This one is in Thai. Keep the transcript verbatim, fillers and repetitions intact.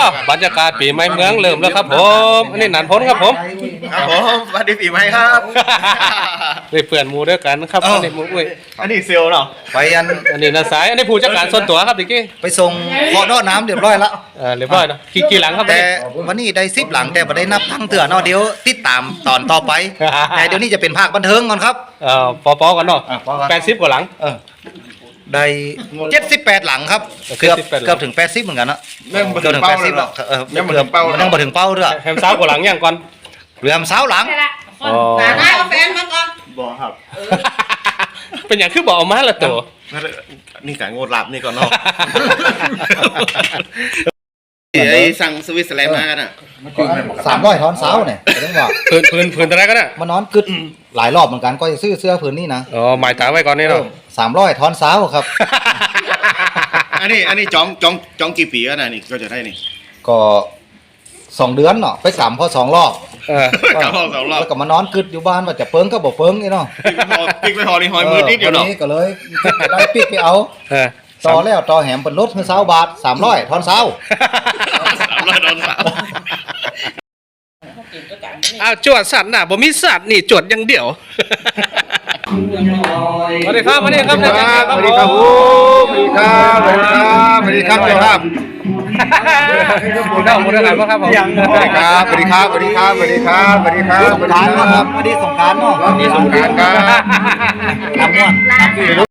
บรรยากาศปีใหม่เมืองเริ่มแล้วครับผมอันนี้หนันพ้นครับผมครับผมสวัสดีปีใหม่ครับได้เพื่อนหมูด้วยกันนะครับอันนี้หมูอุ้ยอันนี้เซลล์เนาะไปอันอันนี้นาสายอันนี้ผู้จัดการส่วนตัวครับดิกี้ไปส่งขอดอน้ำเรียบร้อยแล้วเออเรียบร้อยเนาะกี่กี่หลังครับแต่วันนี้วันนี้ได้สิบหลังแต่ไม่ได้นับทั้งเถื่อเนาะเดี๋ยวติดตามตอนต่อไป แต่เดี๋ยวนี้จะเป็นภาคบันเทิงก่อนครับเอ่อปอปอกันเนาะอ่ะปอกันแปดสิบกว่าหลังเออได้เจ็ดสิบแปดหลังครับเกือบเจ็ดสิบแปดหลังเกือบถึงแปดสิบเหมือนกันนะเริ่มมาเกืถึอบงถึงเป้าแปดสิบแล้หลัวงเออยังไม่เกืถึอบงเป้ามันยังมาถึงเป้าด้วยแฮมสาวกว่าหลังยังก่อนเหลือสาวหลังใช่ละคนอ๋อหนาหน้าเอาแฟนมาก่อนบอกครับเป็นอย่างคือบอกเอามาละตัวนี่การโงดหลับนี่ก่อนเนาะไอ้สั่งสวิตเซอร์แลนด์มากันอ่ะสามร้อยทอนเสาเนี่ยเรื่องว่าพื้นพื้นพื้นอะไรกันน่ะมานอนกึดหลายรอบเหมือนกันก็จะซื้อเสื้อผืนนี้นะอ๋อหมายตาไว้ก่อนนี่เนาะสามร้อยทอนเสาครับอันนี้อันนี้จองจองจองกี่ปีกันนะนี่ก็จะได้นี่ก็สองเดือนเนาะไปกลับพอสองรอบเออกลับรอบสองรอบแล้วก็มานอนกึดอยู่บ้านว่าจะเปิ้งก็บอกเปิ้งนี่เนาะปิ๊กไม่พอนี่หอยมือนิดเดียวเนาะออวันนี้ก็เลยได้ปิ๊กไปเอาเออต่อแล้วต่อแหมเป็นรถคือเสาบาทสามร้อยทอนเสาสามร้อยโดนสามอ้าวจวดสัตว์น่ะบ่มีสัตว์นี่จวดอย่างเดียวสวัสดีครับสวัสดีครับสวัสดีครับสวัสดีครับสวัสดีครับสวัสดีครับเจ้าภาพหมูเด้าหมูเด้ากันป่ะครับผมสวัสดีครับสวัสดีครับสวัสดีครับสวัสดีครับสวัสดีครับสงการนะครับวันนี้สงการเนาะวันนี้สงกรานต์ครับทำม่วน